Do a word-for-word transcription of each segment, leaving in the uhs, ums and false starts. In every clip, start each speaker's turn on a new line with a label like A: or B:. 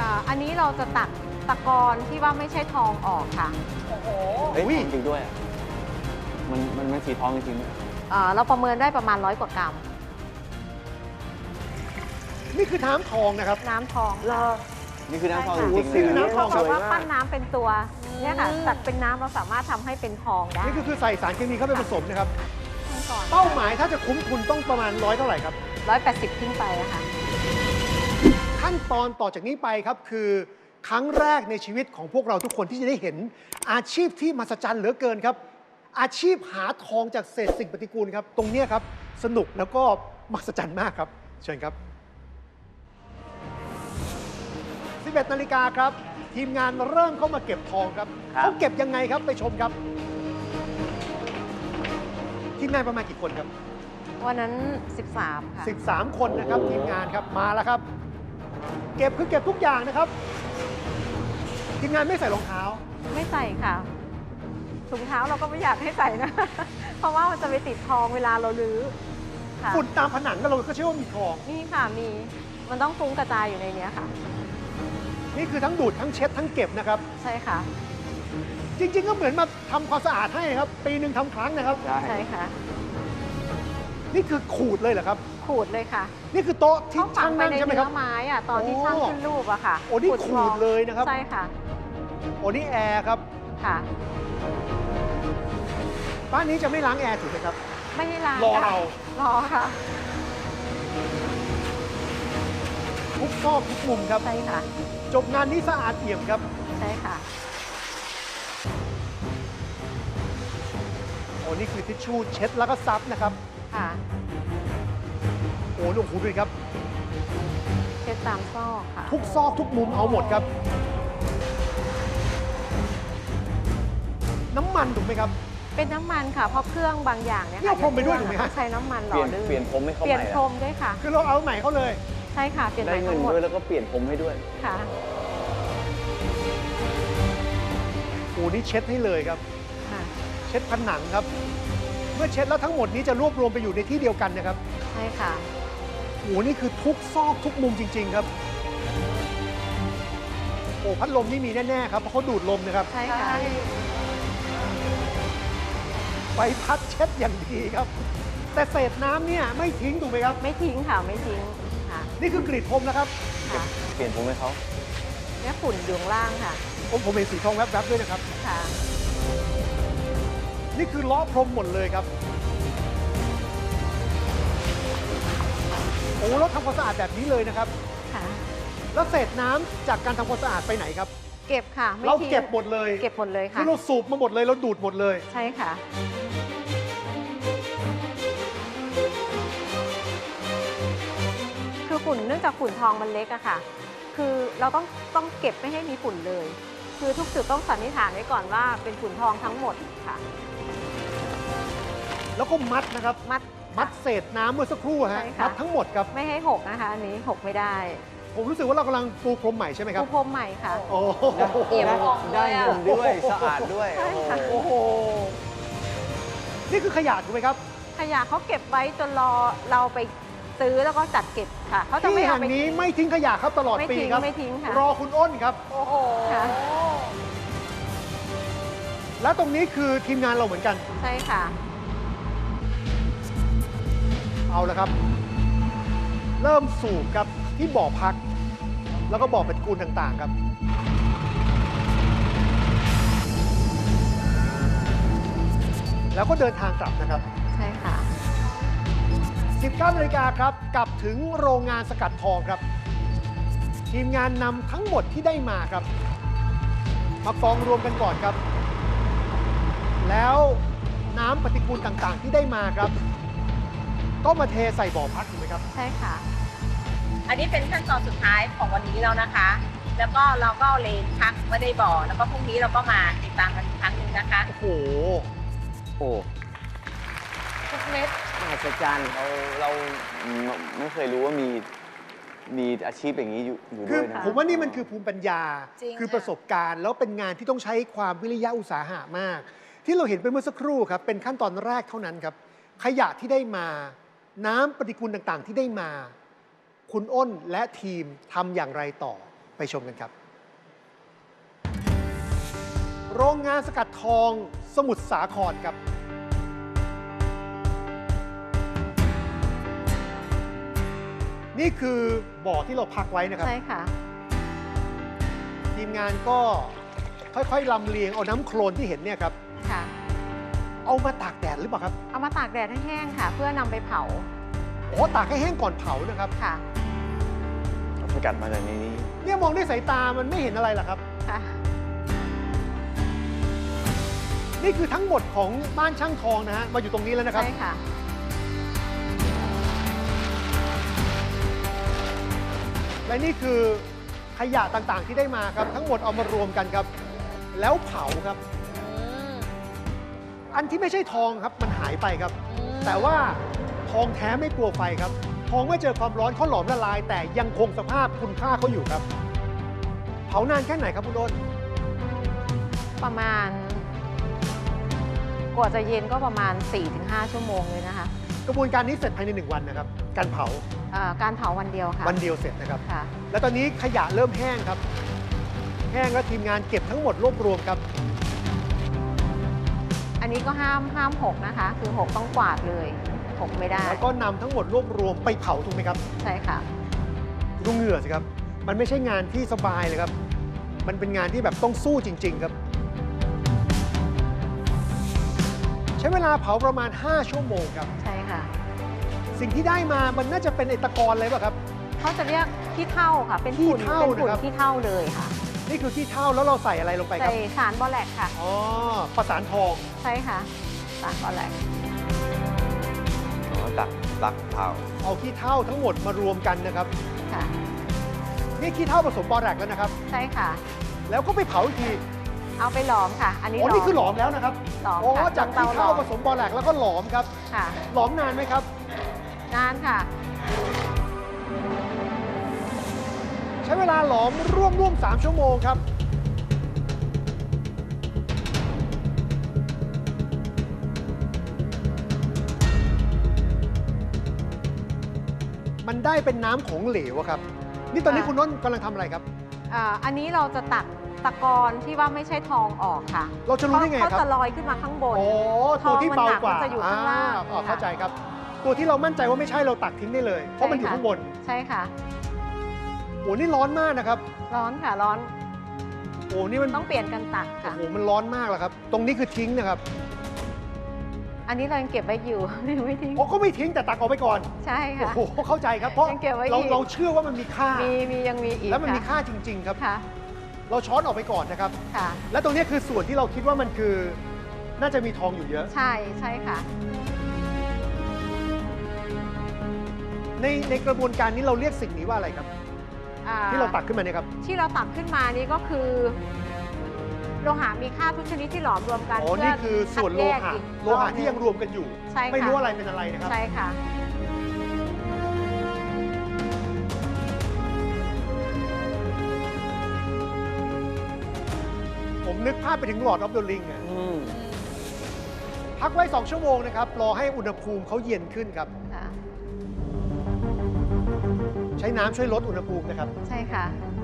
A: อ่าอันนี้เราจะตักตะกอนที่ว่าไม่ใช่ทองออกค่ะ
B: โอ้โห
C: เฮ้ยจริงด้วยอะมันมันมันสีทองจริงๆด้วย
A: อ่าเราประเมินได้ประมาณร้อยกว่ากรัม
D: นี่คือน้ำทองนะครับ
A: น้ำทอง
B: เหรอ
C: นี่คือน้ำทอง
A: ใช่
C: จ
A: ค่ะ
C: ริงๆ
D: นี่
C: เลย
D: คือ
C: นะ
D: น้ำทอง
A: เพราะว่าปั้นน้ำเป็นตัวเนี่ยค่ะ
B: อืม
A: ตัดเป็นน้ำเราสามารถทำให้เป็นทองได้
D: นี่คือคือใส่สารเคมีเข้าไปผสมนะครับ
A: ขั้นก่อน
D: เป้าหมายถ้าจะคุ้มทุนต้องประมาณร้อยเท่าไหร่ครับ
A: ร้อยแปดสิบขึ้นไปอะค่ะ
D: ขั้นตอนต่อจากนี้ไปครับคือครั้งแรกในชีวิตของพวกเราทุกคนที่จะได้เห็นอาชีพที่มหัศจรรย์เหลือเกินครับ อาชีพหาทองจากเศษสิ่งปฏิกูลครับ ตรงเนี้ยครับสนุกแล้วก็มหัศจรรย์มากครับ เชิญครับสิบเอ็ดนาฬิกาครับ ทีมงานเริ่มเข้ามาเก็บทองครับ
C: ครับ
D: เขาเก็บยังไงครับไปชมครับ ทีมงานประมาณกี่คนครับ
A: วันนั้น สิบสาม ค่ะ
D: สิบสาม คนนะครับทีมงานครับมาแล้วครับ เก็บคือเก็บทุกอย่างนะครับ ทีมงานไม่ใส่รองเท้า
A: ไม่ใส่ค่ะถุงเท้าเราก็ไม่อยากให้ใส่นะ เพราะว่ามันจะไปติดทองเวลาเราลื้อค่ะ
D: ฝุ่นตามผนังก็เราก็เชื่อว่ามีทอง
A: นี่ค่ะมีมันต้องฟุ้งกระจายอยู่ในเนี้ยค่ะ
D: นี่คือทั้งดูดทั้งเช็ดทั้งเก็บนะครับ
A: ใช่ค่ะ
D: จริง ๆ ก็เหมือนมาทำความสะอาดให้ครับ ปีหนึ่งทำครั้งนะครับ
C: ใช่
A: ใช่ค่ะ
D: นี่คือขูดเลยเหรอครับ
A: ขูดเลยค่ะ
D: นี่คือโต๊ะที่
A: เขาฝั
D: ช่าง ง
A: ไป
D: นั่ง
A: ใน
D: ใช่ไหมค
A: เนื้
D: รับ
A: อไม้อะตอนที่
D: โอ้
A: ช่างขึ้นรูปอะค่ะ
D: โอ้นี่
A: ท
D: ขูดเลยนะครับ
A: ใช่ค่ะ
D: โอ้นี่แอร์ครับ
A: ค่ะ
D: บ้านนี้จะไม่ล้างแอร์ถูกไหมครับ
A: ไม่ได้ล้าง
D: รอ
A: ค่ะ
D: เรา
A: รอค่ะ
D: ทุกซอกทุกมุมครับ
A: ใช่ค่ะ
D: จบงานนี้สะอาดเอี่ยมครับ
A: ใช่ค่ะ
D: โอ้นี่คือทิชชู่เช็ดแล้วก็ซับนะครับ
A: ค่ะ
D: โอ้ลูกหูดูดิครับ
A: เช็ดตามซอกค่ะ
D: ทุกซอกทุกมุมเอาหมดครับ น้ำมันถูกไหมครับ
A: เป็นน้ำมันค่ะ เพราะเครื่องบางอย่างเนี่ย
D: นี่เอาพรมไปด้วยถูกไหมฮะ
A: ใช้น้ำมันห
C: เป
A: ล่
C: ลี่
A: อย
C: น
A: ลื่น
C: เปลี่ยนผมให้เขา
A: เปลี่ย
C: ให
A: น
C: ม่
A: พร
C: อะ
A: มด้วยค่ะ
D: คือเราเอาใหม่เขาเลย
A: ใช่ค่ะ เปลี่ยน
C: ได้
A: ใหม่
C: เงิ
A: ทั้
C: น
A: งหมด
C: ด้วยแล้วก็เปลี่ยนผมให้ด้วย
A: ค่ะ
D: โอ้นี่เช็ดให้เลยครับ
A: ค่ะ
D: เช็ดผนังครับ เมื่อเช็ดแล้วทั้งหมดนี้จะรวบรวมไปอยู่ในที่เดียวกันนะครับ
A: ใช่ค่ะ
D: โอ้นี่คือทุกซอกทุกมุมจริง ๆ ครับ โอ้พัดลมนี่มีแน่ ๆ ครับ เพราะเขาดูดลมนะครับ
A: ใช่ค่ะ
D: ใบพัดเช็ดอย่างดีครับ แต่เศษน้ำเนี่ยไม่ทิ้งถูกไหมครับ
A: ไม่ทิ้งค่ะ ไม่ทิ้งค่ะ
D: นี่คือกรีดพรมนะครับ
A: ค่ะ
C: เปลี่ยนผมให้เขา
A: เนี่ยฝุ่นอยู่ข้างล่างค่ะ
D: ผมผมเห็นสีทองแวบๆด้วยนะครับ
A: ค่ะ
D: นี่คือล้อพรมหมดเลยครับ โอ้แล้วทำความสะอาดแบบนี้เลยนะครับ
A: ค่ะ
D: แล้วเศษน้ำจากการทำความสะอาดไปไหนครับ
A: เก็บค่ะ ไม่
D: เรา
A: ทิ้ง
D: เก็บหมดเลย
A: เก็บหมดเลย
D: คื
A: ค่ะ
D: อเราสูบมาหมดเลยเราดูดหมดเลย
A: ใช่ค่ะ คือฝุ่นเนื่องจากฝุ่นทองมันเล็กอะค่ะ คือเราต้องต้องเก็บไม่ให้มีฝุ่นเลย คือทุกจุดต้องสันนิษฐานไว้ก่อนว่าเป็นฝุ่นทองทั้งหมดค่ะ
D: แล้วก็มัดนะครับ
A: มัด
D: มัดเศษน้ำเมื่อสักครู่ฮะ
A: ใช่ค่ะ
D: มัดทั้งหมดครับ
A: ไม่ให้หกนะคะ อันนี้หกไม่ได้
D: ผมรู้สึกว่าเรากำลังปูพรมใหม่ใช่ไหมครั
A: ปู
D: บ
A: พรมใหม่ค่ะ
D: โอ้โห
B: เอี่ยมอ่องเล
C: ได้
B: ยอะ
C: เงินด้วยสะอาดด้วย
A: ใช่ค่ะ
D: โอ้โห นี่คือขยะถูกไหมครับ
A: ขยะเขาเก็บไว้จนรอเราไปซื้อแล้วก็จัดเก็บค่ะเขาจะ
D: ที่
A: ไม่เอา
D: แห่ง
A: ไป
D: นี้ไม่ทิ้งขยะครับตลอด
A: ไม่
D: ปี
A: ทิ้ง
D: ครับ
A: ไม่ทิ้งค่ะ
D: รอคุณอ้นครับ
B: โอ้โห
A: ค่ะ
D: และตรงนี้คือทีมงานเราเหมือนกัน
A: ใช่ค่ะ
D: เอาละครับ เริ่มสูบครับที่บ่อพัก แล้วก็บ่อปฏิกูลต่างๆครับ แล้วก็เดินทางกลับนะครับ
A: ใช่ค่ะ
D: สิบเก้านาฬิกาครับ กลับถึงโรงงานสกัดทองครับ ทีมงานนำทั้งหมดที่ได้มาครับ มากองรวมกันก่อนครับ แล้วน้ำปฏิกูลต่างๆ ที่ได้มาครับ ก็มาเทใส่บ่อพักถูกไหมครับ
A: ใช่ค่ะ
B: อันนี้เป็นขั้นตอนสุดท้ายของวันนี้แล้วนะคะ แล้วก็เราก็เอาเลนพักไม่ได้บ่อ แล้วก็พรุ่งนี้เราก็มาติดตามกันอีกครั้งหนึ่งนะคะ
D: โอ้โห
C: โอ้
B: ทุกเม็ด
C: มหัศจรรย์เราเราไม่เคยรู้ว่ามีมีอาชีพอย่างนี้อยู่อยู่
D: คื
C: ด้
D: อ
C: วยนะ
D: ผมว่านี่มันคือภูมิปัญญา
B: จริง
D: คือ
B: ค่ะ
D: ประสบการณ์ แล้วเป็นงานที่ต้องใช้ความวิริยะอุตสาหะมาก ที่เราเห็นไปเมื่อสักครู่ครับ เป็นขั้นตอนแรกเท่านั้นครับ ขยะที่ได้มา น้ำปฏิกูลต่างๆ ที่ได้มา คุณอ้นและทีมทำอย่างไรต่อไปชมกันครับ โรงงานสกัดทองสมุทรสาครครับ นี่คือบ่อที่เราพักไว้นะครับ
A: ใช่ค่ะ
D: ทีมงานก็ค่อยๆลำเลียงเอาน้ำโคลนที่เห็นเนี่ยครับ
A: ค่ะ
D: เอามาตากแดดหรือเปล่าครับ
A: เอามาตากแดดให้แห้งค่ะ เพื่อนำไปเผา
D: โอ้ตากให้แห้งก่อนเผานะครับ
A: ค่ะ
C: เราสกัดมาจากในนี้
D: เนี่ยมองด้วยสายตามันไม่เห็นอะไรหรอกครับ
A: ค่ะ
D: นี่คือทั้งหมดของบ้านช่างทองนะฮะมาอยู่ตรงนี้แล้วนะครับ
A: ใช่ค่ะ
D: และนี่คือขยะต่างๆที่ได้มาครับ ทั้งหมดเอามารวมกันครับ แล้วเผาครับ อันที่ไม่ใช่ทองครับมันหายไปครับ แต่ว่าทองแท้ไม่กลัวไฟครับ ทองเมื่อเจอความร้อนเขาหลอมละลาย แต่ยังคงสภาพคุณค่าเขาอยู่ครับ เผานานแค่ไหนครับคุณโดน
A: ประมาณ กว่าจะเย็นก็ประมาณ สี่ถึงห้า ชั่วโมงเลยนะคะ
D: กระบวนการนี้เสร็จภายในหนึ่งวันนะครับ การเผา
A: เอ่อการเผาวันเดียวค่ะ
D: วันเดียวเสร็จนะครับ
A: ค่ะ
D: แล้วตอนนี้ขยะเริ่มแห้งครับ แห้งแล้วทีมงานเก็บทั้งหมดรวบรวมครับ
A: อันนี้ก็ห้ามห้ามหกนะคะ คือหกต้องกวาดเลยหกไม่ได้
D: แล้วก็นำทั้งหมดรวบรวมไปเผาถูกไหมครับ
A: ใช่ค่ะ
D: ดูเหงื่อสิครับ มันไม่ใช่งานที่สบายเลยครับ มันเป็นงานที่แบบต้องสู้จริง ๆ ครับ ใช้เวลาเผาประมาณ ห้า ชั่วโมงครับ
A: ใช่ค่ะ
D: สิ่งที่ได้มามันน่าจะเป็นไอตะกอนเลยป่ะครับ
A: เขาจะเรียกขี้เถ้าค่ะ เป็น
D: ขี้
A: ฝุ่น
D: เถ้า
A: เป็นฝุ่น
D: นะครับ
A: ขี้เถ้าเลยค่ะ
D: นี่คือขี้เถ้าแล้วเราใส่อะไรลงไปค
A: ใส่
D: รับ
A: สารบอแลกค่ะ
D: อ๋อ ประสานทอง
A: ใช่ค่ะ สารบอแลก
C: อ๋อตักตักเผา
D: เอาขี้เถ้าทั้งหมดมารวมกันนะครับ
A: ค่ะ
D: นี่ขี้เถ้าผสมบอแรกแล้วนะครับ
A: ใช่ค่ะ
D: แล้วก็ไปเผาอีกที
A: เอาไปหลอมค่ะ อันนี้
D: อ๋อ นี่คือหลอมแล้วนะครับ
A: หลอม
D: อ๋อ
A: ค่ะ
D: จาก
A: เตา
D: ขี้
A: หลอ
D: เถ้าม ผสมบอแรกแล้วก็หลอมครับ
A: ค่ะ
D: หลอมนานไหมครับ
A: นานค่ะ
D: ใช้เวลาหลอมร่วมร่วมสามชั่วโมงครับ มันได้เป็นน้ำของเหลวอะครับ นี่ตอนนี้
A: ค่ะ
D: คุณน้นกำลังทำอะไรครับ
A: อ่าอันนี้เราจะตักตะกอนที่ว่าไม่ใช่ทองออกค่ะ
D: เราจะรู้ได้ไงครับ
A: เขาจะลอยขึ้นมาข้างบน
D: โอ้ตัวที่เบากว่า
A: ทองมันหนักมันจะอยู่ข้างล่าง
D: อ่อ๋อ
A: ค่ะ
D: เข้าใจครับ ตัวที่เรามั่นใจว่าไม่ใช่เราตักทิ้งได้เลย เพราะมันอยู่
A: ใช่ค่ะ
D: ข้างบน
A: ใช่ค่ะ
D: โอ้นี่ร้อนมากนะครับ
A: ร้อนค่ะ ร้อน
D: โอ้นี่มัน
A: ต้องเปลี่ยนกันตัก
D: โอ้
A: ค่ะ
D: โหมันร้อนมากแล้วครับ ตรงนี้คือทิ้งนะครับ
A: อันนี้เรายังเก็บไว้อยู่ ยังไม่ทิ้ง
D: โอ้ก็ไม่ทิ้งแต่ตักออกไปก่อน
A: ใช่
D: โอ้
A: ค่ะ
D: โหเข้าใจครับ เพราะ
A: ยังเก็บไว้
D: เรา
A: อีก
D: เราเชื่อว่ามันมีค่า
A: มีมียังมีอีก
D: แล้วมันมี
A: ค่ะ
D: ค่าจริง ๆ ครับ
A: ค่ะ
D: เราช้อนออกไปก่อนนะครับ
A: ค่ะ
D: และตรงนี้คือส่วนที่เราคิดว่ามันคือ น่าจะมีทองอยู่เยอะ
A: ใช่ใช่ค่ะ
D: ในในกระบวนการนี้เราเรียกสิ่งนี้ว่าอะไรครับ
A: อ่
D: ที่เราตักขึ้นมาเนี่ยครับ
A: ที่เราตักขึ้นมานี่ก็คือโลหะมีค่าทุกชนิดที่หลอมรวมกัน
D: อ๋อ
A: เพื่
D: นี่คือส่วนโล
A: คัดแยก
D: หะ
A: อีก
D: โลหะที่ยังรวมกันอยู่
A: ใช่ค่ะ
D: ไม่รู้อะไรเป็นอะไรนะครับ
A: ใช่ค่ะ
D: ผมนึกภาพไปถึงหลอดออฟเดอะลิงอะ
C: อืม
D: พักไว้ สอง ชั่วโมงนะครับ รอให้อุณหภูมิเขาเย็นขึ้นครับ
A: ค่ะ
D: ใช้น้ำช่วยลดอุณหภูมินะครับ
A: ใช่ค่ะ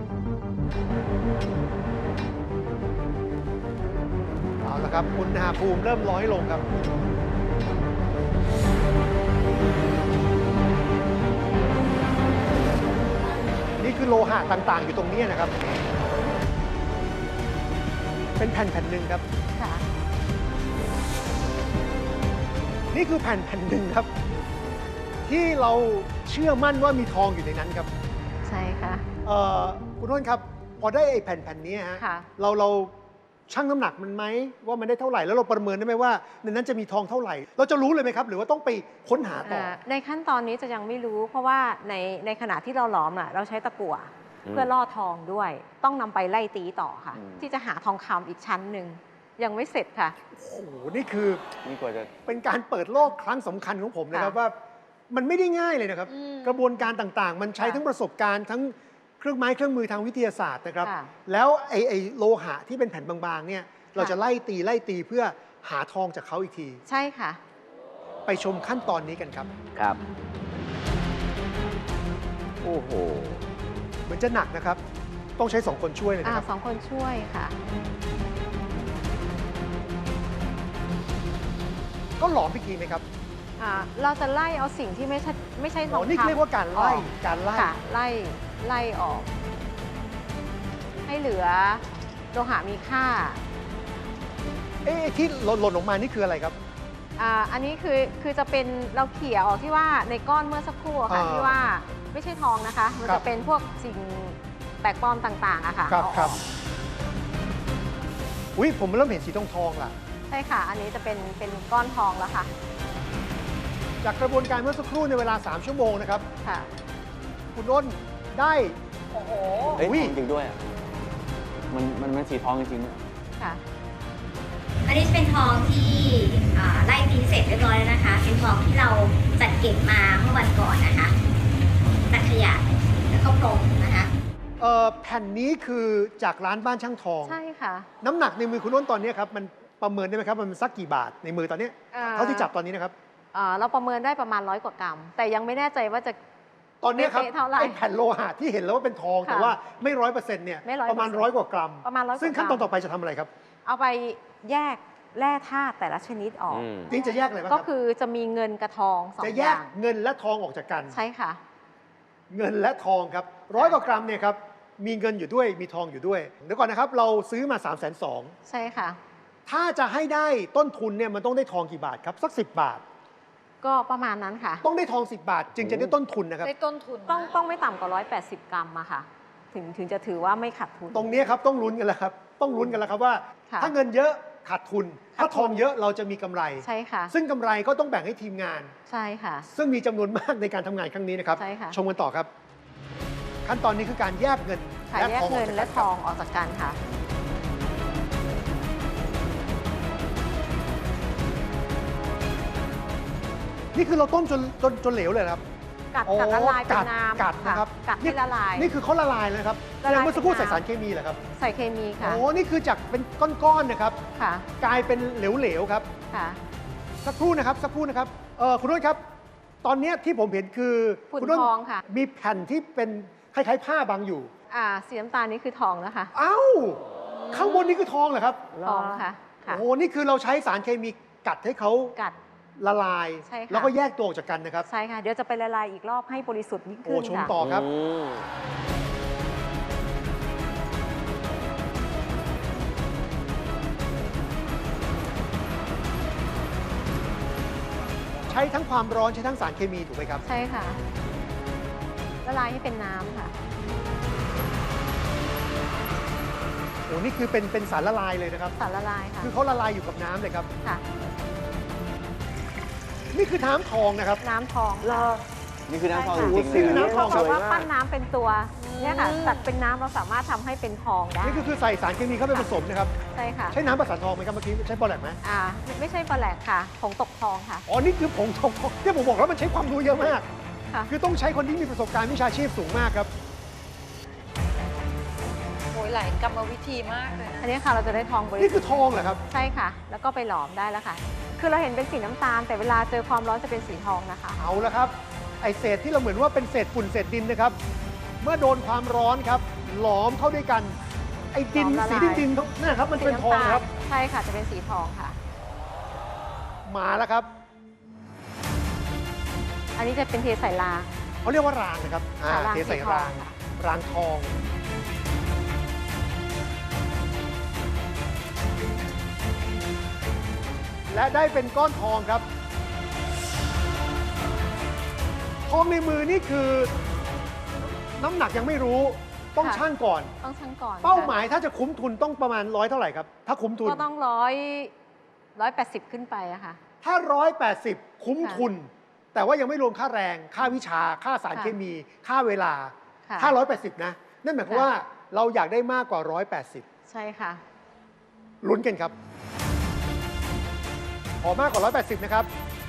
D: เอาละครับ อุณหภูมิเริ่มร้อยลงครับ นี่คือโลหะต่างๆ อยู่ตรงนี้นะครับ เป็นแผ่นแผ่นหนึ่งครับ
A: ค่ะ
D: นี่คือแผ่นแผ่นหนึ่งครับ ที่เราเชื่อมั่นว่ามีทองอยู่ในนั้นครับ
A: ใช่ค่ะ
D: เอ่อคุณน้นครับ พอได้ไอ้แผ่นแผ่นนี้ฮะ
A: ค่ะ
D: เราเราชั่งน้ำหนักมันไหมว่ามันได้เท่าไหร่แล้วเราประเมินได้ไหมว่าในนั้นจะมีทองเท่าไหร่ เราจะรู้เลยไหมครับ หรือว่าต้องไปค้นหาต่อ
A: เอ่อในขั้นตอนนี้จะยังไม่รู้ เพราะว่าในในขณะที่เราหลอมอ่ะเราใช้ตะกั่ว
C: อืม
A: เพื่อล่อทองด้วย ต้องนำไปไล่ตีต่อค่ะ
C: อืม
A: ที่จะหาทองคำอีกชั้นหนึ่งยังไม่เสร็จค่ะ
D: โอ้โหนี่คือ
C: นี่กว่าจะ
D: เป็นการเปิดโลกครั้งสำคัญของผมนะครับ
A: ค่ะ
D: ว่ามันไม่ได้ง่ายเลยนะครับ
A: อืม
D: กระบวนการต่างๆ มันใช้
A: ค่ะ
D: ทั้งประสบการณ์ทั้งเครื่องไม้เครื่องมือทางวิทยาศาสตร์นะครับ
A: ค่ะ
D: แล้วไอ้ไอ้โลหะที่เป็นแผ่นบางๆเนี่ยเราจะไล่ตีไล่ตีเพื่อหาทองจากเขาอีกที
A: ใช่ค่ะ
D: ไปชมขั้นตอนนี้กันครับ
C: ครับ โอ้โห
D: เหมือนจะหนักนะครับต้องใช้สองคนช่วยเลย
A: อ่า
D: นะครับ
A: สองคนช่วยค่ะ
D: ก็หลอมอีกทีไหมครับ
A: อ่าเราจะไล่เอาสิ่งที่ไม่ใช่ไม่ใช่ท
D: อ๋
A: อ
D: อง นี่
A: คำ
D: เรียกว่าการไล่
A: ออก
D: การไล่
A: ค่ะไล่ไล่ออก ให้เหลือโลหะมีค่า
D: เอ๊ะที่หล่นหล่นออกมานี่คืออะไรครับ
A: อ่าอันนี้คือคือจะเป็นเราเขี่ยออกที่ว่าในก้อนเมื่อสักครู่อะค่ะ
D: อ่า
A: ที่ว่าไม่ใช่ทองนะคะ มัน
D: ครั
A: จะ
D: บ
A: เป็นพวกสิ่งแปลกปลอมต่างๆอะค่ะ
D: ครับ
A: เอาออก
D: ครับอุ้ยผมเริ่มเห็นสีทองทองๆล่ะ
A: ใช่ค่ะ อันนี้จะเป็นเป็นก้อนทองแล้วค่ะ
D: จากกระบวนการเมื่อสักครู่ในเวลา สาม ชั่วโมงนะครับ
A: ค่ะ
D: คุณอ้นได้
B: โอ้โห
C: เฮ้ย
D: อุ๊ย
C: จริงๆด้วยอะมันมันมันสีทองจริงๆด้วย
A: ค่ะ
E: อันนี้เป็นทองที่อ่าไล่พิมพ์เสร็จเรียบร้อยแล้วนะคะ เป็นทองที่เราจัดเก็บมาเมื่อวันก่อนนะคะตัดขยะแล้วก็พรมนะคะ
D: เอ่อแผ่นนี้คือจากร้านบ้านช่างทอง
A: ใช่ค่ะ
D: น้ำหนักในมือคุณอ้นตอนนี้ครับมันประเมินได้ไหมครับมันสักกี่บาทในมือตอนนี้
A: อ่า
D: เท่าที่จับตอนนี้นะครับ
A: อ่าเราประเมินได้ประมาณร้อยกว่ากรัม แต่ยังไม่แน่ใจว่าจะ
D: ตอนนี้ครับ
A: เป๊ะๆเท่าไหร่
D: ไอ้แผ่นโลหะที่เห็นแล้วว่าเป็นทอง
A: ค่ะ
D: แต่ว่าไม่ร้อยเปอร์เซ็นต์เนี่ย
A: ไม่100%
D: ประมาณร้อยกว่ากรัม
A: ประมาณร้อยกว่า
D: ซึ่งขั้นตอน
A: กรัม
D: ต่อไปจะทำอะไรครับ
A: เอาไปแยกแร่ธาตุแต่ละชนิดออก
C: อืม
D: นี่จะแยกอะไรบ้างค
A: ก็
D: รับ
A: คือจะมีเงินกับทองสอง
D: จะ
A: อ
D: แยก
A: ย่าง
D: เงินและทองออกจากกัน
A: ใช่ค่ะ
D: เงินและทองครับร้อยกว่ากรัมเนี่ยครับมีเงินอยู่ด้วยมีทองอยู่ด้วยเดี๋ยวก่อนนะครับเราซื้อมา สามแสนสอง
A: ใช่ค่ะ
D: ถ้าจะให้ได้ต้นทุนเนี่ยมันต้องได้ทองกี่บาทครับสักสิบบาท
A: ก็ประมาณนั้นค่ะ
D: ต้องได้ทองสิบบาท จึงจะได้ต้นทุนนะครับ
B: ได้ต้นทุน
A: ต้องต้องไม่ต่ำกว่าร้อยแปดสิบกรัมอะค่ะ ถึงถึงจะถือว่าไม่ขาดทุน
D: ตรงนี้ครับต้องลุ้นกันแล้วครับต้องลุ้นกันแล้วครับว่า
A: ค่ะ
D: ถ้าเงินเยอะขาดทุน
A: ขาดทุน
D: ถ้าทองเยอะเราจะมีกำไร
A: ใช่ค่ะ
D: ซึ่งกำไรก็ต้องแบ่งให้ทีมงาน
A: ใช่ค่ะ
D: ซึ่งมีจำนวนมากในการทำงานครั้งนี้นะครับ
A: ใช่ค่ะ
D: ชมกันต่อครับ ขั้นตอนนี้คือการแยกเงิน
A: ค่ะ
D: และ
A: แยก
D: ทองอ
A: เงิ
D: อก
A: น
D: จาก
A: และ
D: กัน
A: ท
D: ครับ
A: องออกจากกันค่ะ
D: นี่คือเราต้มจนจนจนเหลวเลยเหรอครับ
A: กัด
D: โอ้
A: กัดละลายเป็น
D: กัด
A: น้ำ
D: กัดนะครับ
A: กัดให้ละลาย
D: นี่คือเขาละลายแล้วนะครับ
A: ละลาย
D: แล้วเมื่อสักครู่
A: เป็น
D: ใส่
A: น้ำ
D: สารเคมีเหรอครับ
A: ใส่เคมีค่ะ
D: โอ้นี่คือจากเป็นก้อนๆนะครับ
A: ค่ะ
D: กลายเป็นเหลวๆครับ
A: ค่ะ
D: สักครู่นะครับสักครู่นะครับเออคุณนุ่นครับ ตอนเนี้ยที่ผมเห็นคือ
A: ฝุ่น
D: ณนุ่น
A: ทองค่ะ
D: มีแผ่นที่เป็นคล้ายๆผ้าบังอยู่
A: อ่าสีน้ำตาลนี่คือทองนะคะ
D: เอ้า ข้างบนนี่คือทองเหรอครับ
A: ทองค่ะ ค่ะ
D: โอ้นี่คือเราใช้สารเคมีกัดให้เขา
A: กัด
D: ละลาย
A: ใช่ค่ะ
D: แล้วก็แยกตัวออกจากกันนะครับ
A: ใช่ค่ะ เดี๋ยวจะไปละลายอีกรอบให้บริสุทธิ์ยิ่ง
D: โอ้
A: ขึ้น
D: ชม
A: ค่ะ
D: ต่อครับ
C: อืม
D: ใช้ทั้งความร้อนใช้ทั้งสารเคมีถูกไหมครับ
A: ใช่ค่ะ ละลายให้เป็นน้ำค่ะ
D: โอ้นี่คือเป็นเป็นสารละลายเลยนะครับ
A: สารละลายค่ะ
D: คือเขาละลายอยู่กับน้ำเลยครับ
A: ค่ะ
D: นี่คือน้ำทองนะครับ
A: น้ำทอง
C: นี่คือน้ำทอง
A: ใช่
C: จ
A: ค่ะ
C: ริงๆ
D: นี่
C: เลย
D: คือ
C: นะ
D: น้ำทอง
A: เพราะว่า
C: สวยมาก
A: ปั้นน้ำเป็นตัวเนี่ยค่ะตัดเป็นน้ำเราสามารถทำให้เป็นทองได้
D: นี่คือคือใส่สารเคมีเข้าไปผสมนะครับ
A: ใช่ค่ะ
D: ใช้น้ำประสานทองไหมครับเมื่อกี้ใช้บอแลกไหม
A: อ่าไม่ใช่ปลาแหลกค่ะผงตกทองค่ะ
D: อ๋อ นี่คือผงทองที่ผมบอกแล้วมันใช้ความรู้เยอะมาก
A: ค่ะ
D: คือต้องใช้คนที่มีประสบการณ์วิชาชีพสูงมากครับ
B: โอ้ยหลายกรรมวิธีมากเลย
A: อันนี้ค่ะเราจะได้ทองบริ
D: นี่
A: สุ
D: คื
A: ท
D: อ
A: ธิ์
D: ทองเหรอครับ
A: ใช่ค่ะ แล้วก็ไปหลอมได้แล้วค่ะ คือเราเห็นเป็นสีน้ำตาล แต่เวลาเจอความร้อนจะเป็นสีทองนะคะ
D: เอาละครับ ไอเศษที่เราเหมือนว่าเป็นเศษฝุ่นเศษดินนะครับ เมื่อโดนความร้อนครับ หลอมเข้าด้วยกัน ไอดิน
A: หลอมละ
D: สี
A: ลาย
D: ดินดินๆนั่นนะครับ มัน
A: สี
D: เป็นทอง
A: ำตาล
D: ครับ
A: ใช่ค่ะจะเป็นสีทองค่ะ
D: มาแล้วครับ
A: อันนี้จะเป็นเทใส่ลา
D: เขาเรียกว่ารางนะครับอ่า
A: ค่ะราง
D: เทใส่
A: สีทอง
D: ราง
A: ค่ะ
D: รางทอง และได้เป็นก้อนทองครับ ทองในมือนี่คือ น้ำหนักยังไม่รู้ต้อง
A: ค่ะ
D: ชั่งก่อน
A: ต้องชั่งก่อน
D: เป้าห
A: ค่ะ
D: มายถ้าจะคุ้มทุนต้องประมาณร้อยเท่าไหร่ครับ ถ้าคุ้มทุน
A: ก็ต้องร้อยร้อยแปดสิบขึ้นไปอะค่ะ
D: ถ้าร้อยแปดสิบคุ้ม
A: ค่ะ
D: ทุน แต่ว่ายังไม่รวมค่าแรง ค่าวิชา ค่าสาร
A: ค่ะ
D: เคมี ค่าเวลา
A: ค่ะ
D: ถ้าร้อยแปดสิบนะ นั่นหมายความ
A: ค่ะ
D: ว่าเราอยากได้มากกว่าร้อยแปดสิบ
A: ใช่ค่ะ
D: ลุ้นกันครับ ขอมากกว่าร้อยแปดสิบนะครับ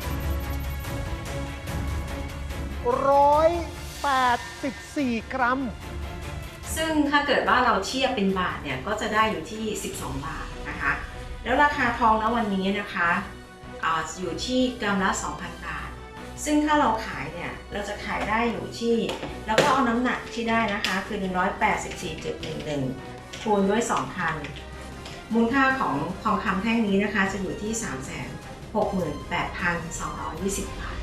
D: ร้อยแปดสิบสี่กรัม
F: ซึ่งถ้าเกิดว่าเราเทียบเป็นบาทเนี่ยก็จะได้อยู่ที่ สิบสอง บาทนะคะ แล้วราคาทองณวันนี้นะคะอาอยู่ที่กรัมละ สองพัน บาท ซึ่งถ้าเราขายเนี่ยเราจะขายได้อยู่ที่แล้วก็เอาน้ำหนักที่ได้นะคะคือ หนึ่งร้อยแปดสิบสี่จุดหนึ่งหนึ่ง คูณด้วย สองพัน มูลค่าของทองคำแท่งนี้นะคะจะอยู่ที่ สามแสนหกหมื่นแปดพันสองร้อยยี่สิบ บาท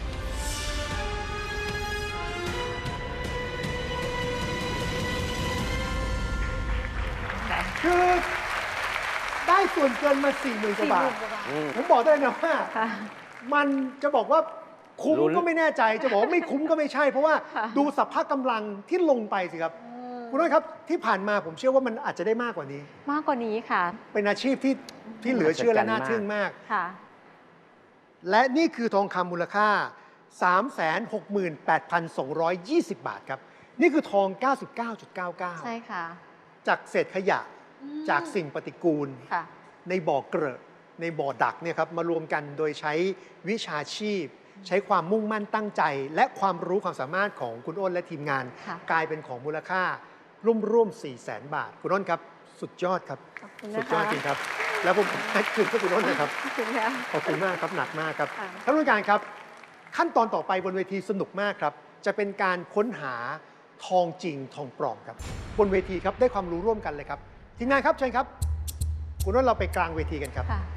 D: คือได้ส่วนเกินมาสี่หมื่นกว่าบาท
C: อืม
D: ผมบอกได้เลยนะว่า
A: ค่ะ
D: มันจะบอกว่าคุ้ม
C: ลุ้น
D: ก็ไม่แน่ใจ จะบอกว่าไม่คุ้มก็ไม่ใช่ เพราะว่า
A: ค่ะ
D: ดูสัพพะกำลังที่ลงไปสิครับ คุณน้อยครับที่ผ่านมาผมเชื่อว่ามันอาจจะได้มากกว่านี้
A: มากกว่านี้ค่ะ
D: เป็นอาชีพที่ที่เหลือเชื่อและน่าทึ่งมาก
A: ค่ะ
D: และนี่คือทองคำมูลค่า สามแสนหกหมื่นแปดพันสองร้อยยี่สิบ บาทครับ นี่คือทอง เก้าสิบเก้าจุดเก้าเก้า
A: ใช่ค่ะ
D: จากเศษขยะจากสิ่งปฏิกูล
A: ค่ะ
D: ในบ่อเกลอะในบ่อดักเนี่ยครับมารวมกันโดยใช้วิชาชีพ ใช้ความมุ่งมั่นตั้งใจ และความรู้ความสามารถของคุณอ้นและทีมงาน
A: ค่ะ
D: กลายเป็นของมูลค่าร่วมร่วมสี่แสนบาท คุณอ้นครับ สุดยอดครับ
A: ขอบคุณ
D: สุ
A: นะ
D: ดยอ
A: คะ
D: ดจริงครับ แล้วผมให้คืนให้คุณอ้นนะครับ
A: ขอบคุณค่ะ
D: ขอบคุณมากครับ หนักมากครับ
A: ค่ะ
D: ท่านผู้การครับ ขั้นตอนต่อไปบนเวทีสนุกมากครับ จะเป็นการค้นหาทองจริงทองปลอมครับ บนเวทีครับได้ความรู้ร่วมกันเลยครับทีมงานครับเชิญครับ คุณอ้นเราไปกลางเวทีกันครับ
A: ค่ะ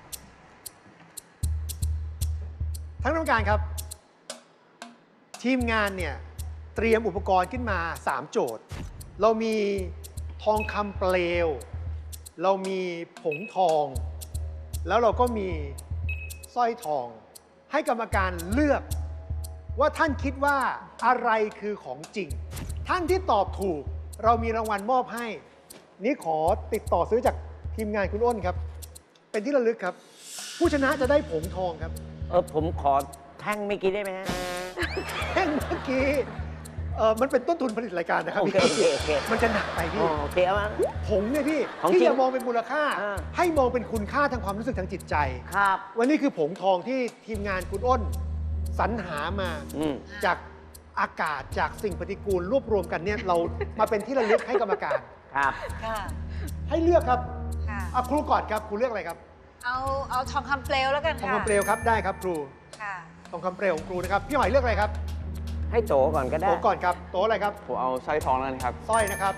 D: ทั้งท่านผู้การครับ ทีมงานเนี่ยเตรียมอุปกรณ์ขึ้นมา สาม โจทย์ เรามีทองคำเปลว เรามีผงทอง แล้วเราก็มีสร้อยทอง ให้กรรมการเลือกว่าท่านคิดว่าอะไรคือของจริง ท่านที่ตอบถูกเรามีรางวัลมอบให้ นี่ขอติดต่อซื้อจากทีมงานคุณอ้นครับ เป็นที่ระลึกครับ ผู้ชนะจะได้ผงทองครับ
G: เออผมขอแท่งไม่อกี้ได้ไหมฮะ
D: แท่งเมื่อกี้เออมันเป็นต้นทุนผลิตรายการนะครับ
G: โอ
D: พี่
G: เคโอเคโอเค
D: มันจะหนักไป
G: อ๋
D: พี่
G: อโอเคเอามา
D: ผงเนี่ยพี่
G: ของ
D: ที่
G: จริง
D: จะมองเป็นมูลค่า
G: อ่า
D: ให้มองเป็นคุณค่าทางความรู้สึกทางจิตใจ
G: ครับ
D: วันนี้คือผงทองที่ทีมงานคุณอ้นสรรหามา
G: อืม
D: จากอากาศจากสิ่งปฏิกูลรวบรวมกันเนี่ยเรามาเป็นที่ระลึกให้กรรมการ
G: ครับ
H: ค่ะ
D: ให้เลือกครับ
H: ค่ะ
D: เอาครูก่อนครับครูเลือกอะไรครับ
H: เอาเอาทองคำเปลวแล้วกัน
D: ทอง
H: ค่ะ
D: คำเปลวครับได้ครับครู
H: ค่ะ
D: ทองคำเปลวของครูนะครับพี่หอยเลือกอะไรครับ
G: ให้โตก่อนก็ได้
D: โตก่อนครับโตอะไรครับ
C: ผมเอาสร้อยทองแล้วกันครับ
D: สร้อยนะครับ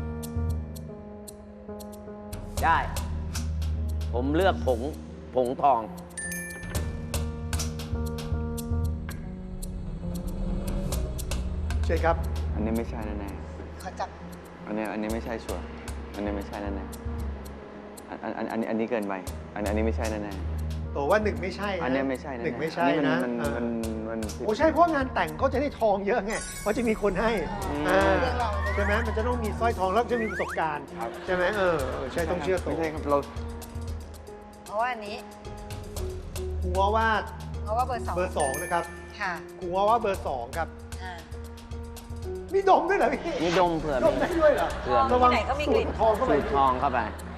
G: ได้ ผมเลือกผงผงทอง
D: เชิญครับ
C: อันนี้ไม่ใช่แน่
H: ขอจับ
C: ๆอันนี้อันนี้ไม่ใช่ชัวร์อันนี้ไม่ใช่แน่ๆอันอันอันอันนี้อันนี้เกินไปอันอันนี้ไม่ใช่แน่
D: โตว่าหนึ่งไม่ใช่
C: ๆ
D: นะ
C: อันนี้ไม่ใช่แน่ๆ
D: หนึ่งไม่ใช่
C: อั
D: นะ
C: มัน
D: เออ
C: มันมัน
D: โอ้ใช่เพราะงานแต่งเขาจะได้ทองเยอะไงเพราะจะมีคนให้
C: อืม
D: อ่า
H: เรื่องเรา
D: ใช่ไหมมันจะต้องมีสร้อยทองแล้วจะมีประสบการณ์
C: ครับ
D: ใช่ไหมเออเออใช่ต้องเชื่อโต
C: ไม่ใช่ครับเรา
H: เพราะว่าอันนี้
D: ครูว่าว่า
H: เพราะว่าเบอร์สอง
D: เบอร์สองนะครับ
H: ค่ะ
D: ครูว่าว่าเบอร์สองครับ
H: อ่า
D: มีดมด้วยเหรอพี่
G: มีดมเผื่อ
D: ดมได้ด้วยเหรอ
G: เผื่อ
H: ทอง
D: ระวัง
H: ที่ไหนก็มีกลิ่น
D: สูดทองเข้าไป
G: สูตรทองเข้าไป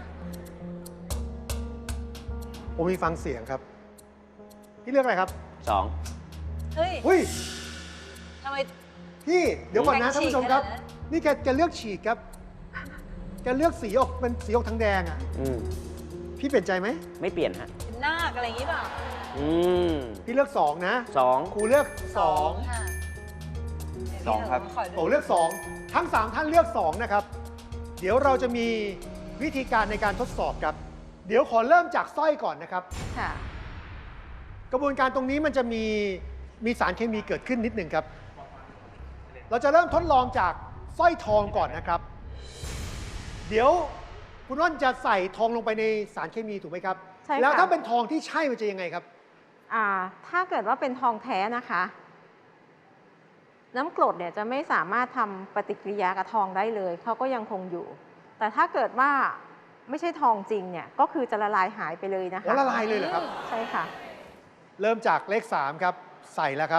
D: ผมมีฟังเสียงครับพี่เลือกอะไรครับ
G: สอง
H: เฮ้ย
D: หุ้ย
H: ทำไม
D: พี่เดี๋ยวก่อนนะ
H: แบ่ง
D: ท่านผู้ชมครับ
H: ฉีกขนาดนั้น
D: นี่แกแกเลือกฉีกครับแกเลือกสีออกเป็นสีออกทางแดงอ่ะ
G: อืม
D: พี่เปลี่ยนใจไหม
G: ไม่เปลี่ยนฮะ
H: เป็นนาคอะไรอย่างนี้เปล่า
G: อืม
D: พี่เลือกสองนะ
G: สอง
D: ครูเลือกสอง
H: ค่ะ
C: สองครับ
H: ขอ
D: โต
H: ดู
D: เลือกสองทั้งสามท่านเลือกสองนะครับ เดี๋ยวเราจะมีวิธีการในการทดสอบครับ เดี๋ยวขอเริ่มจากสร้อยก่อนนะครับ
A: ค่ะ
D: กระบวนการตรงนี้มันจะมีมีสารเคมีเกิดขึ้นนิดหนึ่งครับ เราจะเริ่มทดลองจากสร้อยทองก่อนนะครับ เดี๋ยวคุณว่านจะใส่ทองลงไปในสารเคมีถูกไหมครับ
A: ใช่ค่ะ
D: แล้วถ้าเป็นทองที่ใช่มันจะยังไงครับ
A: อ่า ถ้าเกิดว่าเป็นทองแท้นะคะ น้ำกรดเนี่ยจะไม่สามารถทำปฏิกิริยากับทองได้เลย เขาก็ยังคงอยู่ แต่ถ้าเกิดว่าไม่ใช่ทองจริงเนี่ย ก็คือจะละลายหายไปเลยนะคะ
D: แล้วละลายเลยเหรอครับ
A: ใช่ค่ะ
D: เริ่มจากเลขสามครับ ใส่แล้วครับ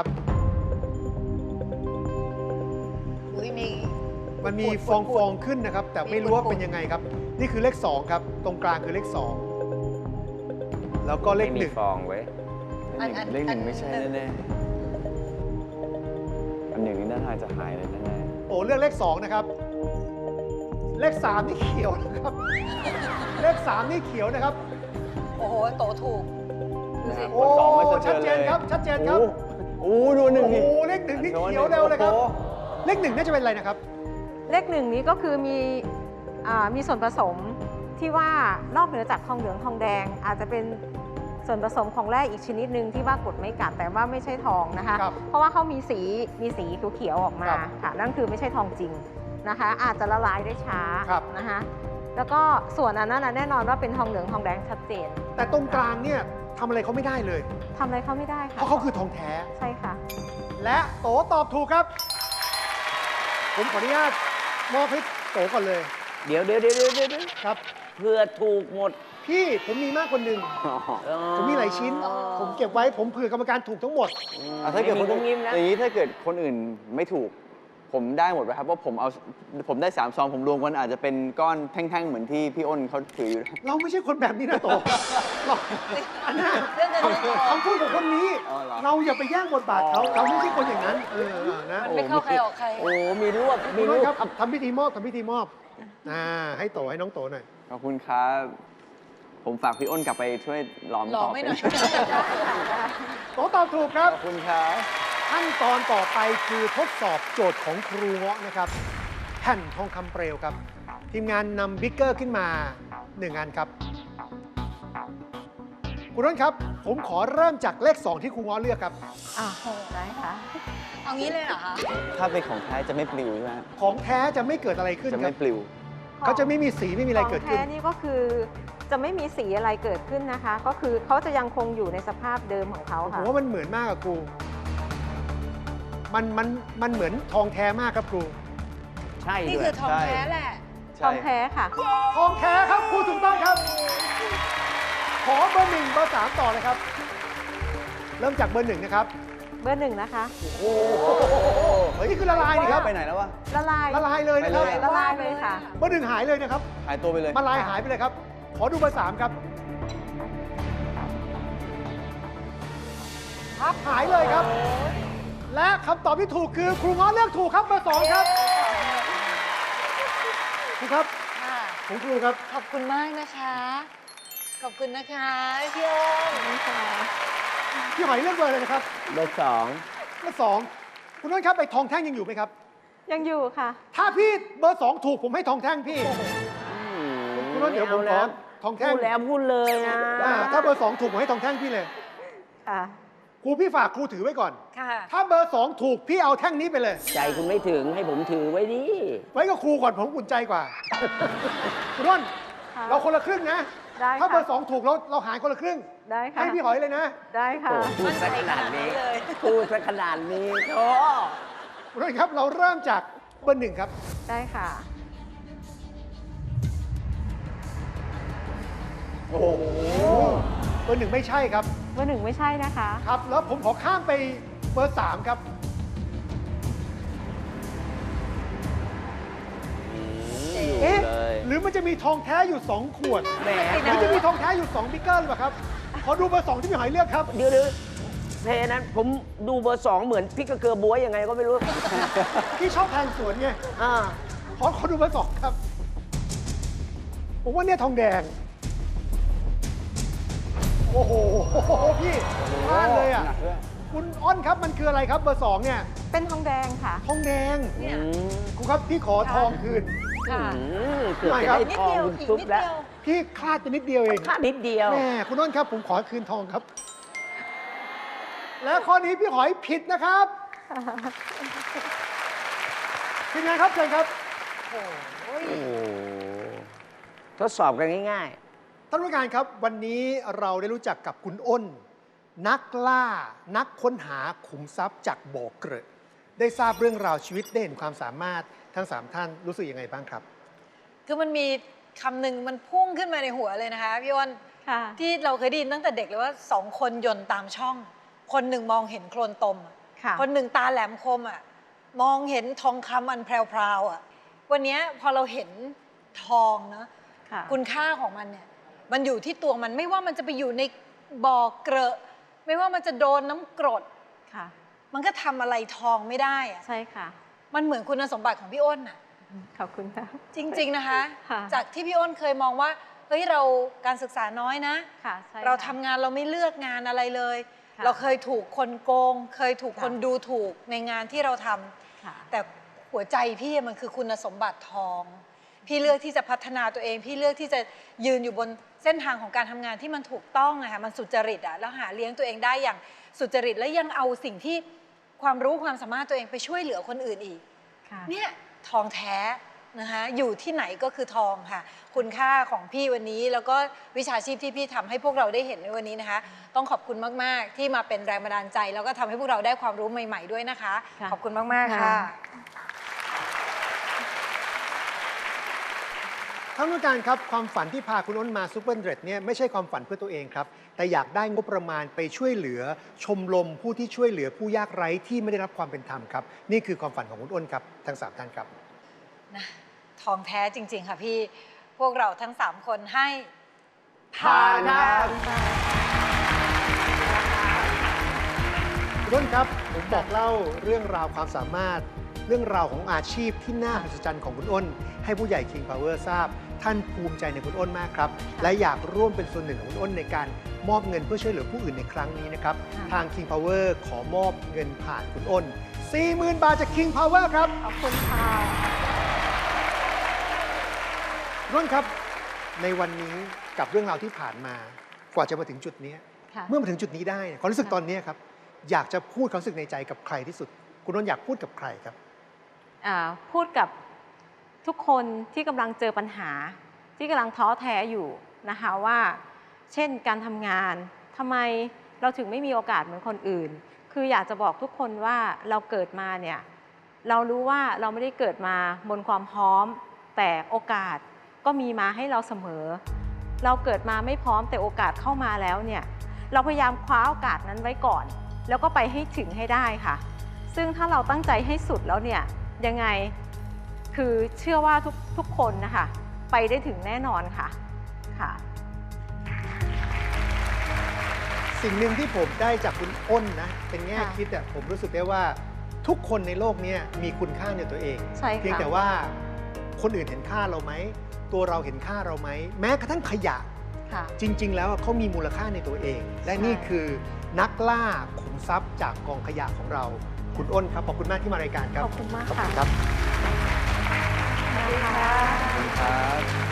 H: อุ้ยมี
D: มันมีฟองฟองๆขึ้นนะครับ แต่ไม่รู้ว่าเป็นยังไงครับ นี่คือเลขสองครับ ตรงกลางคือเลขสองแล้วก็เลข
G: ไม่
D: ห
G: มี
D: นึ่ง
G: ฟองไว้ย
H: อันอัน
C: เลขหนึ่ง
H: อัน
C: ไม่ใช่แน่ๆอันหนึ่งนี่น่าทางจะหายเลยแน่
D: โอ้เลือกเลขสองนะครับ เลขสามนี่เขียวนะครับ เลขสามนี่เขียวนะครับ
H: โอ้โห โตถูก
C: ๆ
H: ดูสิ
C: นะครับ
D: โอ้
C: สองไม่
D: ชัด
C: สะ
D: เจ
C: เทือน
D: น
C: เลย
D: ครับ ชัดเจนครับ
C: โอ้โอ้ดูหนึ่ง
D: โอ้
C: ดิ
D: โหเลขหนึ่งนี่เขียวเร็วเลยครับ
C: โอ้โห
D: เลขหนึ่งน่าจะเป็นอะไรนะครับ
A: เลขหนึ่งนี้ก็คือมีอ่ามีส่วนผสมที่ว่านอกเหนือจากทองเหลืองทองแดง อาจจะเป็นส่วนผสมของแร่อีกชนิดหนึ่งที่ว่ากรดไม่กัดแต่ว่าไม่ใช่ทองนะคะ
D: ครับ
A: เพราะว่าเขามีสีมีสีเขียวๆออกมา
D: ครับ
A: ค่ะนั่นคือไม่ใช่ทองจริงนะคะ อาจจะละลายได้ช้า
D: ครับ
A: นะคะแล้วก็ส่วนอันนั้นนะแน่นอนว่าเป็นทองเหลืองทองแดงชัดเจน
D: แต่ตรงกลางเนี่ยทำอะไรเขาไม่ได้เลย
A: ทำอะไรเขาไม่ได้
D: เพ
A: ค่ะ
D: ราะเขาคือทองแท้
A: ใช่ค่ะ
D: และโตตอบถูกครับ ผมขออนุญาตมอบให้โตก่อนเลย
G: เดี๋ยวเดี๋ยวเดี๋ยวเดี๋ยวเดี๋ยว
D: ครับ
G: เพื่อถูกหมด
D: พี่ผมมีมากกว่าหนึ่ง ผมมีหลายชิ้น ผมเก็บไว้ผมเผื่อกรรมการถูกทั้งหมด
C: อ่ะถ้าเกิดคน
G: ไม่มีงุ้
C: อื่
G: ม
C: น
G: งิ้มนะ
C: อย่างนี้ถ้าเกิดคนอื่นไม่ถูก ผมได้หมดไหมครับเพราะผมเอาผมได้สามซองผมรวมกันอาจจะเป็นก้อนแท่งๆเหมือนที่พี่อ้นเขาถืออยู่
D: เราไม่ใช่คนแบบนี้นะโตเราอันน่ะ
H: เรื่องเงินเรื่องทอง
D: คำพูดของคนนี้
C: อ๋อเหรอ
D: เราอย่าไปแย่งบทบาทเขา
C: อ๋อ
D: เราไม่ใช่คนอย่างนั้น เออนะ
H: มันไม่เข้าใครออกใคร
G: โอ้ มีรวบ
D: คุ
G: มี
D: ณ
G: ร
D: น้อ
G: วย บ
D: ครับทำพิธีมอบทำพิธีมอบอ่าให้โตให้น้องโตหน่อย
C: ขอบคุณครับ ผมฝากพี่อ้นกลับไปช่วยหลอม
H: หลอม
C: ต่อ
H: ไม่
C: ไป
H: หน่อย
D: โตตอบถูกครับ
C: ขอบคุณครับ
D: ขั้นตอนต่อไปคือทดสอบโจทย์ของครูเงาะนะครับ แผ่นทองคำเปลวครับ ทีมงานนำบิ๊กเกอร์ขึ้นมาหนึ่งอันครับ คุณน้นครับ ผมขอเริ่มจากเลข สอง ที่ครูเงาะเลือกครับ
A: อ่าได้ค่ะ
H: เอางี้เลยเหรอคะ
C: ถ้าเป็นของแท้จะไม่ปลิวใช่ไหมฮะ
D: ของแท้จะไม่เกิดอะไรขึ้น
C: จะ
D: ค
C: ไม่
D: รับ
C: ปลิว
D: เขาจะไม่มีสีไม่มีอะไรเกิด
A: ข
D: ขึ้
A: อน งแท้นี่ก็คือจะไม่มีสีอะไรเกิดขึ้นนะคะ ก็คือเขาจะยังคงอยู่ในสภาพเดิมของเขา
D: ผม
A: ค่ะ
D: ว่ามันเหมือนมากอะครู มันมันมันเหมือนทองแท้มากครับครู
G: ใช่
H: นี่
G: ด้ว
H: คื
G: ย
H: อทองแท้แหละ
A: ทองแท้ค่ะ
D: ทองแท้ครับครูถูกต้องครับ ขอเบอร์หนึ่งเบอร์สามต่อเลยครับ เริ่มจากเบอร์หนึ่งนะครับ
A: เบอร์หนึ่งนะคะ
D: โอ้โหเฮ้ยนี่คือละลายนี่ครับ
C: ไปไหนแล้ววะ
A: ละลาย
D: ละลายเลยนะครับ
C: ไปเลย
A: ละลายเลยค่ะ
D: เบอร์หนึ่งหายเลยนะครับ
C: หายตัวไปเลย
D: มาลายหายไปเลยครับ ขอดูเบอร์สามครับครับหายเลยครับ และคำตอบที่ถูกคือครูง้อเลือกถูกครับเบอร์สองครับครูครับ
H: ค่ะ
D: ของครูครับ
H: ขอบคุณมากนะคะ ขอบคุณนะคะพี่อ้น
D: พี่หอยเลือกเบอร์เลยนะครับ
G: เบอร์สอง
D: เบอร์สองคุณน้นครับไอ้ทองแท่งยังอยู่ไหมครับ
A: ยังอยู่ค่ะ
D: ถ้าพี่เบอร์สองถูกผมให้ทองแท่งพี่ คุณน้นเดี๋ยวผมขอทองแท่ง
G: พูดแล้วพูดเลยนะ
D: อ่าถ้าเบอร์สองถูกผมให้ทองแท่งพี่เลย
A: ค่ะ
D: ครูพี่ฝากครูถือไว้ก่อน
H: ค่ะ
D: ถ้าเบอร์สองถูกพี่เอาแท่งนี้ไปเลย
G: ใจคุณไม่ถึงให้ผมถือไว้ดิ
D: ไว้กับครูก่อนผมอุ่นใจกว่า คุณน้น
A: ค่ะ
D: เราคนละครึ่งนะ
A: ได้
D: ถ้าเบอ
A: ค่ะ
D: ร์สองถูกเราเราหารคนละครึ่ง
A: ได้ค่ะ
D: ให้พี่หอยเลยนะ
A: ได้ค่ะ
G: โอ้พูดซะขนาดนี้
H: มั่นใจขนาดนั้นเลย
G: พูดซะขนาดนี้โอ้
D: คุณน้นครับเราเริ่มจากเบอร์หนึ่งครับ
A: ได้ค่ะ
C: โอ้โห
D: เบอร์หนึ่งไม่ใช่ครับ
A: เบอร์หนึ่งไม่ใช่นะคะ
D: ครับ แล้วผมขอข้ามไปเบอร์สามครับ
G: อยู่
D: เอ๊ะ
G: เลย
D: หรือมันจะมีทองแท้อยู่สองขวด
G: แหม
D: หรือจะมีทองแท้อยู่สองบิ๊กเกอร์หรือเปล่าครับ ขอดูเบอร์สองที่พี่หอยเลือกครับ
G: เดี๋ยวเดี๋ยวเพลงนั้นผมดูเบอร์สองเหมือนพริกกระเกลือบ๊วยยังไงก็ไม่รู้
D: พี่ชอบแทงสวนไง
G: อ่า
D: ขอขอดูเบอร์สองครับ ผมว่าเนี่ยทองแดง โอ้โห พี่พลาดเลยอ่ะ
C: หนักด้วย
D: คุณอ้อนครับมันคืออะไรครับเบอร์สองเนี่ย
A: เป็นทองแดงค่ะ
D: ทองแดง
H: เนี่ย
G: อืม
D: ครูครับพี่ขอทองคืน
H: ค่ะ
G: อืมเกือบ
D: ไม่
G: จะ
D: ครับ
G: ได้
H: นิด
G: ทอง
H: เดียว
G: คุณ
H: อีก
G: ซุป
H: นิด
G: แล้ว
H: เดียว
D: พี่คลาดไปนิดเดียวเอง
G: ค่านิดเดียว
D: แม่คุณอ้นครับ ผมขอคืนทองครับ และข้อนี้พี่หอยผิดนะครับทีมงานครับเชิญครับ
H: โอ้ย
G: โอ้โหทดสอบกันง่าย
D: ท่านผู้การครับ วันนี้เราได้รู้จักกับคุณอ้น นักล่า นักค้นหาขุมทรัพย์จากบ่อเกลอะได้ทราบเรื่องราวชีวิตได้เห็นความสามารถทั้งสามท่านรู้สึกยังไงบ้างครับ
H: คือมันมีคำหนึ่งมันพุ่งขึ้นมาในหัวเลยนะคะพี่อ้น
A: ค่ะ
H: ที่เราเคยได้ยินตั้งแต่เด็กเลยว่าสองคนยนต์ตามช่อง คนหนึ่งมองเห็นโคลนตมอะ
A: ค่ะ
H: คนหนึ่งตาแหลมคมอ่ะมองเห็นทองคำอันแพรวๆอ่ะวันนี้พอเราเห็นทองนะ
A: ค่ะ
H: คุณค่าของมันเนี่ยมันอยู่ที่ตัวมันไม่ว่ามันจะไปอยู่ในบ่อเกลอะไม่ว่ามันจะโดนน้ำกรด
A: ค่ะ
H: มันก็ทำอะไรทองไม่ได้อะ
A: ใช่ค่ะ
H: มันเหมือนคุณสมบัติของพี่อ้นอ่ะ
A: ขอบคุณค่ะ
H: จริง ๆนะคะ
A: ค่ะ
H: จากที่พี่อ้นเคยมองว่าเฮ้ยเราการศึกษาน้อยนะ
A: ค่ะ ใช่
H: เรา
A: ค่ะ
H: ทำงานเราไม่เลือกงานอะไรเลย
A: ค่ะ
H: เราเคยถูกคนโกง เคยถูกคน
A: ค่ะ
H: ดูถูกในงานที่เราทำ
A: ค่ะ
H: แต่หัวใจพี่มันคือคุณสมบัติทอง พี่เลือกที่จะพัฒนาตัวเอง พี่เลือกที่จะยืนอยู่บนเส้นทางของการทำงานที่มันถูกต้องอะค่ะมันสุจริตอะแล้วหาเลี้ยงตัวเองได้อย่างสุจริตและยังเอาสิ่งที่ความรู้ความสามารถตัวเองไปช่วยเหลือคนอื่นอีก
A: ค่ะ
H: เนี่ยทองแท้นะคะอยู่ที่ไหนก็คือทองค่ะ คุณค่าของพี่วันนี้แล้วก็วิชาชีพที่พี่ทำให้พวกเราได้เห็นในวันนี้นะคะ ต้องขอบคุณมากๆ ที่มาเป็นแรงบันดาลใจ แล้วก็ทำให้พวกเราได้ความรู้ใหม่ ๆด้วยนะคะ
A: ค่ะ
H: ขอบคุณมากๆค่ะ
D: ท่านผู้การครับความฝันที่พาคุณอ้นมาซูเปอร์เดรดเนี่ยไม่ใช่ความฝันเพื่อตัวเองครับ แต่อยากได้งบประมาณไปช่วยเหลือ ชมรมผู้ที่ช่วยเหลือผู้ยากไร้ที่ไม่ได้รับความเป็นธรรมครับนี่คือความฝันของคุณอ้นครับทั้งสามท่านครับ
H: นะทองแท้จริง ๆ ค่ะพี่ พวกเราทั้งสามคนให้
D: ผ่านครับ คุณอ้นครับผมบอกเล่าเรื่องราวความสามารถ เรื่องราวของอาชีพที่น่าอัศจรรย์ของคุณอ้น ให้ผู้ใหญ่ King Power ทราบ ท่านภูมิใจในคุณอ้นมากครับ และอยากร่วมเป็นส่วนหนึ่งของคุณอ้นในการมอบเงินเพื่อช่วยเหลือผู้อื่นในครั้งนี้นะครับ
A: ค่ะ
D: ทาง King Power ขอมอบเงินผ่านคุณอ้น สี่หมื่น บาทจาก King Power ครับ
A: ขอบคุณค่ะ
D: คุณอ้นครับในวันนี้กับเรื่องราวที่ผ่านมากว่าจะมาถึงจุดนี้
A: ค่ะ
D: เมื่อมาถึงจุดนี้ได้เนี่ยความรู้สึกตอนนี้ครับอยากจะพูดความรู้สึกในใจกับใครที่สุด คุณอ้นอยากพูดกับใครครับ
A: อ่าพูดกับทุกคนที่กำลังเจอปัญหา ที่กำลังท้อแท้อยู่นะคะว่า เช่นการทำงานทำไมเราถึงไม่มีโอกาสเหมือนคนอื่น คืออยากจะบอกทุกคนว่าเราเกิดมาเนี่ยเรารู้ว่าเราไม่ได้เกิดมาบนความพร้อม แต่โอกาสก็มีมาให้เราเสมอ เราเกิดมาไม่พร้อมแต่โอกาสเข้ามาแล้วเนี่ยเราพยายามคว้าโอกาสนั้นไว้ก่อน แล้วก็ไปให้ถึงให้ได้ค่ะ ซึ่งถ้าเราตั้งใจให้สุดแล้วเนี่ยยังไงคือเชื่อว่าทุกทุกคนนะคะไปได้ถึงแน่นอนค่ะค่ะ
D: สิ่งหนึ่งที่ผมได้จากคุณอ้นนะเป็นแง่
A: ค่ะ
D: คิดอะผมรู้สึกได้ว่าทุกคนในโลกนี้มีคุณค่าในตัวเอง
A: ใช่ค่ะ
D: เพียงแต่ว่าคนอื่นเห็นค่าเราไหมตัวเราเห็นค่าเราไหมแม้กระทั่งขยะ
A: ค่ะ
D: จริง ๆ แล้วเขามีมูลค่าในตัวเอง และ
A: ใช่
D: นี่คือนักล่าขุมทรัพย์จากกองขยะของเราคุณอ้นครับขอบคุณมากที่มารายการครับ
A: ขอบคุณมาก
D: ขอบ
A: ค่ะ
D: คุณครับ
A: สวัสดีค่ะ
C: ครับ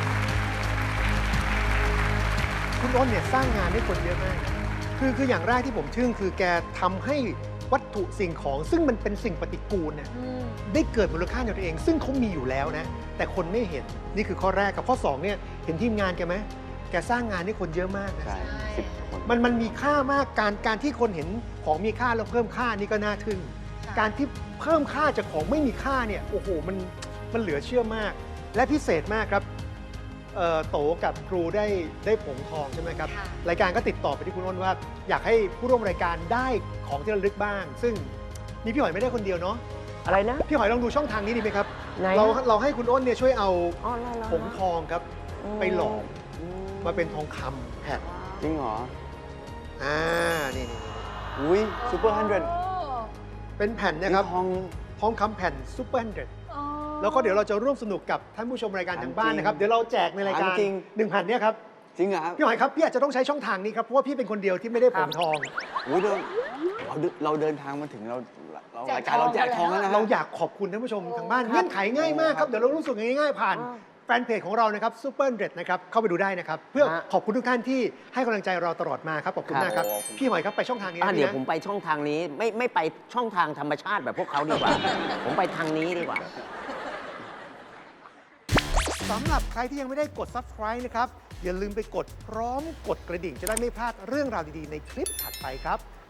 D: คุณอ้นเนี่ยสร้างงานให้คนเยอะมากนะคือคืออย่างแรกที่ผมทึ่งคือแกทำให้วัตถุสิ่งของ ซึ่งมันเป็นสิ่งปฏิกูลเนี่ยได้เกิดมูลค่าในตัวเอง ซึ่งเขามีอยู่แล้วนะ แต่คนไม่เห็นนี่คือข้อแรกกับข้อสองเนี่ยเห็นทีมงานแกไหมแกสร้างงานให้คนเยอะมากนะ
C: ใช่สิบคน
D: มันมันมีค่ามากการการที่คนเห็นของมีค่าแล้วเพิ่มค่านี่ก็น่าทึ่ง
H: ค่ะ
D: การที่เพิ่มค่าจากของไม่มีค่าเนี่ยโอ้โหมันมันเหลือเชื่อมาก และพิเศษมากครับเอ่อโตกับครูได้ได้ผงทองใช่ไหมครับ
H: ค่ะ
D: รายการก็ติดต่อไปที่คุณอ้นว่า อยากให้ผู้ร่วมรายการได้ของที่ระลึกบ้าง ซึ่งมีพี่หอยไม่ได้คนเดียวเนาะ
G: อะไรนะ
D: พี่หอยลองดูช่องทางนี้ดีไหมครับ
G: ไหน
D: เราเราให้คุณอ้นเนี่ยช่วยเอา
G: อ๋อแล้ว
D: ผงทองครับไปหลอมมาเป็นทองคำแผ่น
C: จริงเหรอ
D: อ่านี่นี่
C: อุ้ยซูเปอร์ฮันเดรด
D: เป็นแผ่นนะครับ
C: ทอง
D: ทองคำแผ่นซูเปอร์ฮันเดรด
H: อ๋อ
D: แล้วก็เดี๋ยวเราจะร่วมสนุกกับท่านผู้ชมรายการทางบ้านนะครับ
C: จริง
D: เดี๋ยวเราแจกในรายการ
C: จริง
D: หนึ่งแผ่นเนี่ยครับ
C: จริงเหรอครับ
D: พี่หอยครับพี่อาจจะต้องใช้ช่องทางนี้ครับเพราะว่าพี่เป็นคนเดียวที่ไม่ได้ผงทอง
C: อุ้ยเราเราเดินเราเดินทางมาถึงเราเรา
H: แจก
C: รายการเราแจกทองแล้วนะฮะ
D: เราอยากขอบคุณท่านผู้ชมทางบ้าน
H: ครับ
D: เงื่อนไขง่ายมากครับเดี๋ยวเรารู้สึกง่ายๆผ่านแฟนเพจของเรานะครับซูเปอร์เดรดนะครับเข้าไปดูได้นะครับเพื่อ
G: ฮะ
D: ขอบคุณทุกท่านที่ให้กำลังใจเราตลอดมาครับขอบคุณมากครับ
C: ครับ
D: พี่หอยครับไปช่องทางนี้
G: อ่ะ
D: นะ
G: เดี๋ยว
D: พี่
G: ผม
D: นะ
G: ไปช่องทางนี้ไม่ไม่ไปช่องทางธรรมชาติแบบพวกเขาดีกว่า ผมไปทางนี้ดีกว่า
D: สำหรับใครที่ยังไม่ได้กด ซับสไครบ์ นะครับอย่าลืมไปกดพร้อมกดกระดิ่งจะได้ไม่พลาดเรื่องราวดีๆในคลิปถัดไปครับ